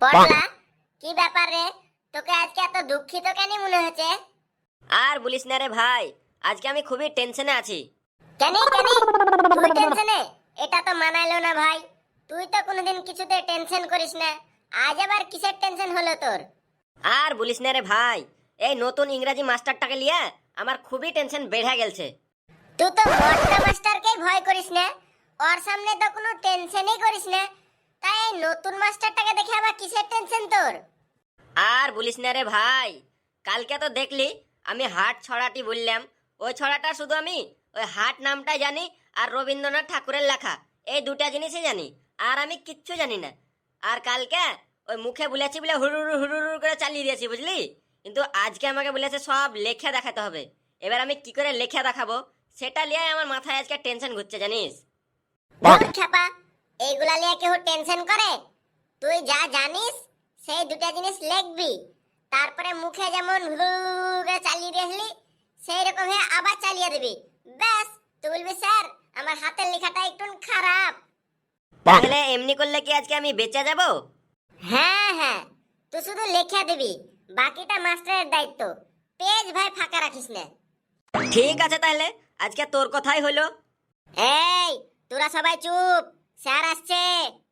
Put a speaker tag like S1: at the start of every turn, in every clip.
S1: পড়লা কি ব্যাপার রে? তোকে আজকে এত দুঃখিত কেন মনে হচ্ছে?
S2: আর বলিস না রে ভাই, আজকে আমি খুবই টেনশনে আছি।
S1: কেন কেন তুই টেনশনে? এটা তো মানাইলো না ভাই। তুই তো কোনোদিন কিছুতে টেনশন করিস না, আজ আবার কিসের টেনশন হলো তোর?
S2: আর বলিস না রে ভাই, এই নতুন ইংরাজি মাস্টারটাকে লিয়ে আমার খুবই টেনশন বেড়ে গেছে।
S1: তুই তো বড়টা মাস্টারকেই ভয় করিস না, ওর সামনে তো কোনো টেনশনই করিস না, তাই এই নতুন মাস্টারটাকে দেখে আবার কিসের টেনশন তোর?
S2: আর বলিস না রে ভাই, কালকে তো দেখলি আমি হাট ছড়াটি বললাম। ওই ছড়াটা শুধু আমি ওই হাট নামটাই জানি আর রবীন্দ্রনাথ ঠাকুরের লেখা, এই দুটা জিনিসই জানি, আর আমি কিচ্ছু জানি না। আর কালকে ওই মুখে বলেছি বলে হুড়ুড়ু হুড়ুড়ু করে চালিয়ে দিয়েছি, বুঝলি? কিন্তু আজকে আমাকে বলেছে সব লেখা দেখাতে হবে। এবার আমি কি করে লেখা দেখাবো সেটা নিয়ে আমার মাথায় আজকে টেনশন ঘুরছে, জানিস?
S1: ধুর খেপা, এইগুলা নিয়ে কেউ টেনশন করে? তুই যা জানিস সেই দুটা জিনিস লিখবি, তারপরে মুখে যেমন হুড়ুড়ু চালিয়ে দিয়েছিলি সেই রকম হয়ে আবার চালিয়ে দিবি। ব্যাস, তুই বলবি স্যার আমার হাতের লেখাটা একটু খারাপ।
S2: তাহলে এমনি করলে কি আজকে আমি বেঁচে যাব?
S1: হ্যাঁ হ্যাঁ, তুই শুধু লিখে দিবি, বাকিটা মাস্টারের দায়িত্ব। পেজ ভাই ফাঁকা রাখিস না।
S2: ঠিক আছে, তাহলে আজকে তোর কথাই হলো।
S1: এই তোরা সবাই চুপ, স্যার আসছে।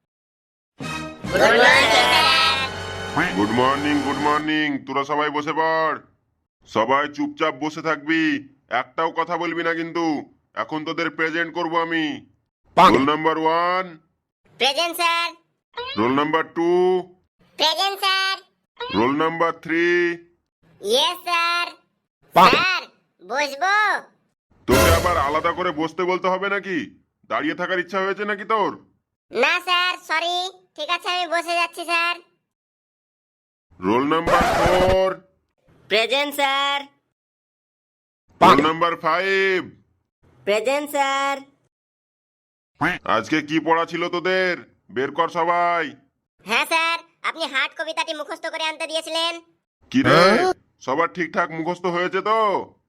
S3: গুড মর্নিং, তোরা সবাই বসে পড়। সবাই চুপচাপ বসে থাকবি, একটাও কথা বলবি না কিন্তু। এখন তোদের প্রেজেন্ট করব আমি। Roll number 1,
S1: present sir.
S3: Roll number 2,
S1: present sir.
S3: Roll number 3।
S1: Yes sir. Sir বসবো?
S3: তোকে আবার আলাদা করে বসতে বলতে হবে নাকি? দাঁড়িয়ে থাকার ইচ্ছা হয়েছে নাকি তোর?
S1: না স্যার, সরি। ঠিক আছে, আমি বসে যাচ্ছি sir.
S3: Roll number 4,
S2: present sir.
S3: Roll number 5।
S2: Present sir.
S3: আজকে কি পড়া ছিল তোদের? বের কর সবাই।
S1: হ্যাঁ স্যার, আপনি হার্ট কবিতাটি মুখস্থ করে আনতে দিয়েছিলেন।
S3: কি রে, সবার ঠিকঠাক মুখস্থ হয়েছে তো?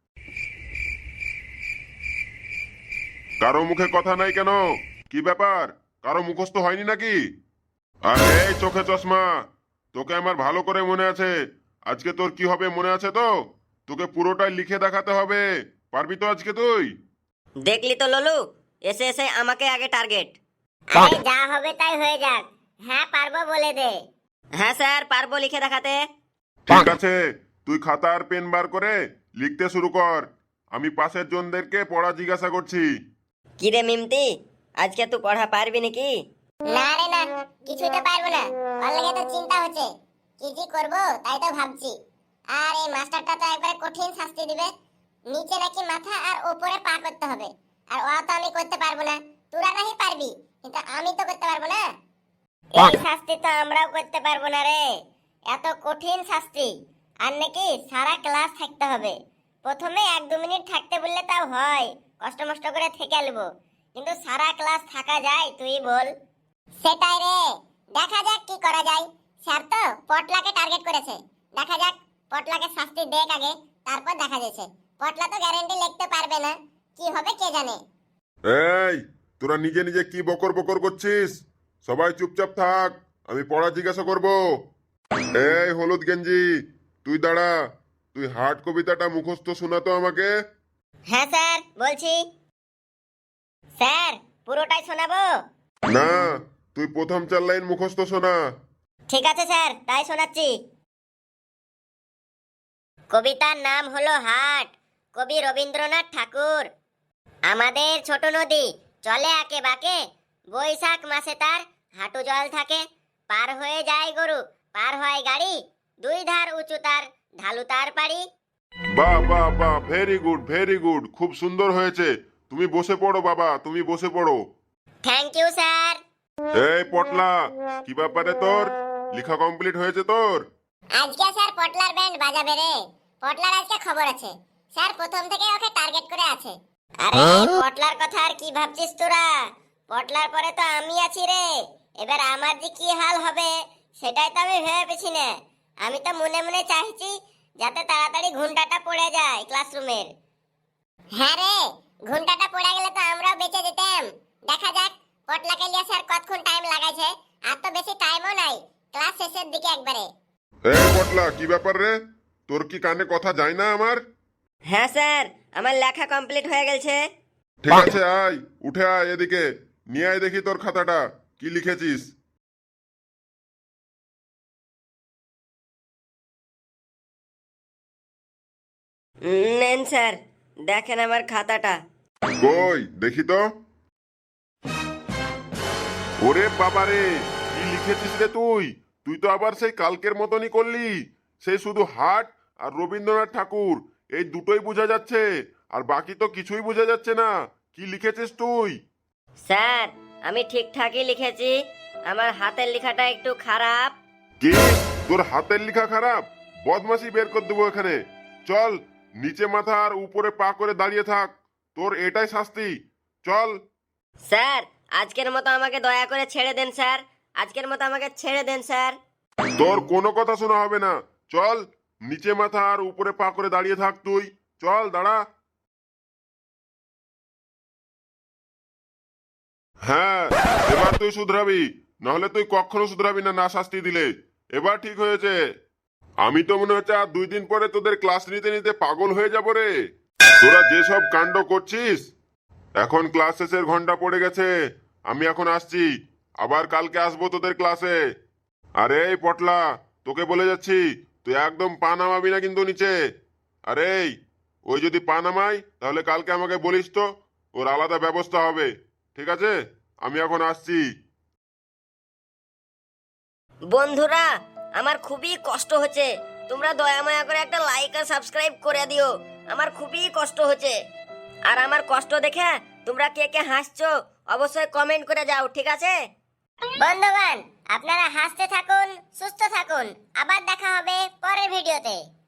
S3: কারো মুখে কথা নাই কেন? কি ব্যাপার, কারো মুখস্থ হয়নি নাকি? আরে এই চোখে চশমা, তোকে আমার ভালো করে মনে আছে। আজকে তোর কি হবে মনে আছে তো? তোকে পুরোটাই লিখে দেখাতে হবে। পারবি তো আজকে তুই?
S2: দেখলি তো ললু, এসে এসে আমাকে আগে টার্গেট।
S1: আরে যা হবে তাই হয়ে যাক। হ্যাঁ পারবো বলে দে।
S2: হ্যাঁ স্যার, পারবো লিখে দেখাতে।
S3: ঠিক আছে, তুই খাতা আর পেন বার করে লিখতে শুরু কর। আমি পাশের জনদেরকে পড়া জিজ্ঞাসা করছি।
S2: কি রে মিমতি, আজকে তুই পড়া পারবি নাকি?
S1: না রে না, কিছুতে পারবো না। ওর লাগে তো চিন্তা হচ্ছে, কি যে করবো তাই তো ভাবছি। আর এই মাস্টারটা তো একবারে কঠিন শাস্তি দিবে। নিচে নাকি মাথা আর উপরে পা করতে হবে, আর ওয়া তো আমি করতে পারবো না। তোরা নাহি পারবি, কিন্তু আমি তো করতে পারবো না। এই শাস্তি তো আমরাও করতে পারবো না রে, এত কঠিন শাস্তি। আর নাকি সারা ক্লাস থাকতে হবে। প্রথমে 1-2 মিনিট থাকতে বললে তাও হয়, কষ্ট মষ্ট করে থেকে আলবো, কিন্তু সারা ক্লাস থাকা যায় তুই বল? সেটাই রে, দেখা যাক কি করা যায়। স্যার তো পটলাকে টার্গেট করেছে, দেখা যাক পটলাকে শাস্তি দেখ আগে, তারপর দেখা যাচ্ছে। পটলা তো গ্যারান্টি লিখতে পারবে না, কি হবে কে জানে।
S3: এই, তোরা নিজে নিজে কি বকর বকর করছিস? সবাই চুপচাপ থাক, আমি পড়া জিজ্ঞাসা করব। এই হলুদ গেঞ্জি, তুই দাঁড়া। তুই হার্ট কবিতাটা মুখস্থ শোনাতো আমাকে।
S1: হ্যাঁ স্যার বলছি। স্যার পুরোটাই শোনাবো?
S3: না, তুই প্রথম 4 লাইন মুখস্থ শোনা।
S1: ঠিক আছে স্যার, তাই শোনাচ্ছি। কবিতার নাম হলো হাট, কবি রবীন্দ্রনাথ ঠাকুর। আমাদের ছোট নদী চলে আঁকে বাঁকে, বৈশাখ মাসে তার হাঁটু জল থাকে। পার হয়ে যায় গরু, পার হয় গাড়ি, 2 ধার উঁচু তার, ঢালু তার পাড়ি।
S3: বাহ বাহ বাহ, ভেরি গুড, খুব সুন্দর হয়েছে। তুমি বসে পড়ো বাবা, তুমি বসে পড়ো।
S1: Thank you sir.
S3: এই পটলা, কি ব্যাপারে তোর? লেখা কমপ্লিট হয়েছে তোর?
S1: আজকে স্যার পটলার ব্যান্ড বাজাবে রে। পটলার আজকে খবর আছে, স্যার প্রথম থেকে ওকে টার্গেট করে আছে। আরে পটলার কথা আর কি ভাবছিস তোরা? পটলার পরে তো আমি আছি রে। এবার আমার যে কি হাল হবে সেটাই তো আমি ভেবে পেছি না। আমি তো মনে মনে চাইছি যাতে তাড়াতাড়ি ঘন্টাটা পড়ে যায় ক্লাসরুমের। হ্যাঁ রে, ঘন্টাটা পড়ে গেলে তো আমরাও বেঁচে যেতাম। দেখা যাক পটলাকে লিয়ে স্যার কতক্ষণ টাইম লাগাইছে। আর তো বেশি টাইমও নাই, ক্লাস শেষের দিকে একবারে।
S3: এই পটলা, কি ব্যাপার রে? তোর কি কানে কথা যায় না আমার?
S2: হ্যাঁ স্যার, আমার লেখা কমপ্লিট হয়ে গেছে।
S3: ঠিক আছে, আয় উঠে আয় এদিকে, নিয়ে আয় দেখি তোর খাতাটা কি লিখেছিস।
S2: নেন স্যার, দেখেন আমার খাতাটা।
S3: কই দেখি তো। ওরে বাবারে, কি লিখেছিস রে তুই? তুই তো আবার সেই কালকের মতনই করলি। সেই শুধু হাট আর রবীন্দ্রনাথ ঠাকুর, এই দুটোই বোঝা যাচ্ছে, আর বাকি তো কিছুই বোঝা যাচ্ছে না। কি লিখেছিস তুই?
S2: স্যার, আমি ঠিকঠাকই লিখেছি, আমার হাতের লেখাটা একটু খারাপ।
S3: কি? তোর হাতের লেখা খারাপ? বদমাশি বের করে দেবো এখানে। চল, নিচে মাথা আর উপরে পা করে দাঁড়িয়ে থাক, তোর এটাই শাস্তি। চল।
S2: স্যার, আজকের মতো আমাকে দয়া করে ছেড়ে দেন স্যার, আজকের মতো আমাকে ছেড়ে দেন স্যার।
S3: তোর কোনো কথা শোনা হবে না। চল, নিচে মাথা আর উপরে পা করে দাঁড়িয়ে থাক তুই। চল, দাঁড়া। হ্যাঁ, এবার তুই শুধরাবি, নাহলে তুই কখনো শুধরাবি না, না শাস্তি দিলে। এবার ঠিক হয়েছে। আমি তো মনে হচ্ছে আর 2 দিন পরে তোদের ক্লাস নিতে নিতে পাগল হয়ে যাব রে। তোরা যেসব কাণ্ড করছিস। এখন ক্লাস শেষের ঘন্টা পড়ে গেছে, আমি এখন আসছি। আবার কালকে আসবো তোদের ক্লাসে। আরে এই পটলা, তোকে বলে যাচ্ছি, তুই একদম পা নামাবি না কিন্তু নিচে। আরে ওই যদি পা নামাই তাহলে কালকে আমাকে বলিস তো, ওর আলাদা ব্যবস্থা হবে। ঠিক আছে, আমি এখন আসছি।
S2: বন্ধুরা, আমার খুবই কষ্ট হচ্ছে, তোমরা দয়া মায়া করে একটা লাইক আর সাবস্ক্রাইব করে দিও, আমার খুবই কষ্ট হচ্ছে। আর আমার কষ্ট দেখে তোমরা কে কে হাসছো অবশ্যই কমেন্ট করে যাও, ঠিক আছে?
S1: বন্ধুগণ, আপনারা হাসতে থাকুন, সুস্থ থাকুন। আবার দেখা হবে পরের ভিডিওতে।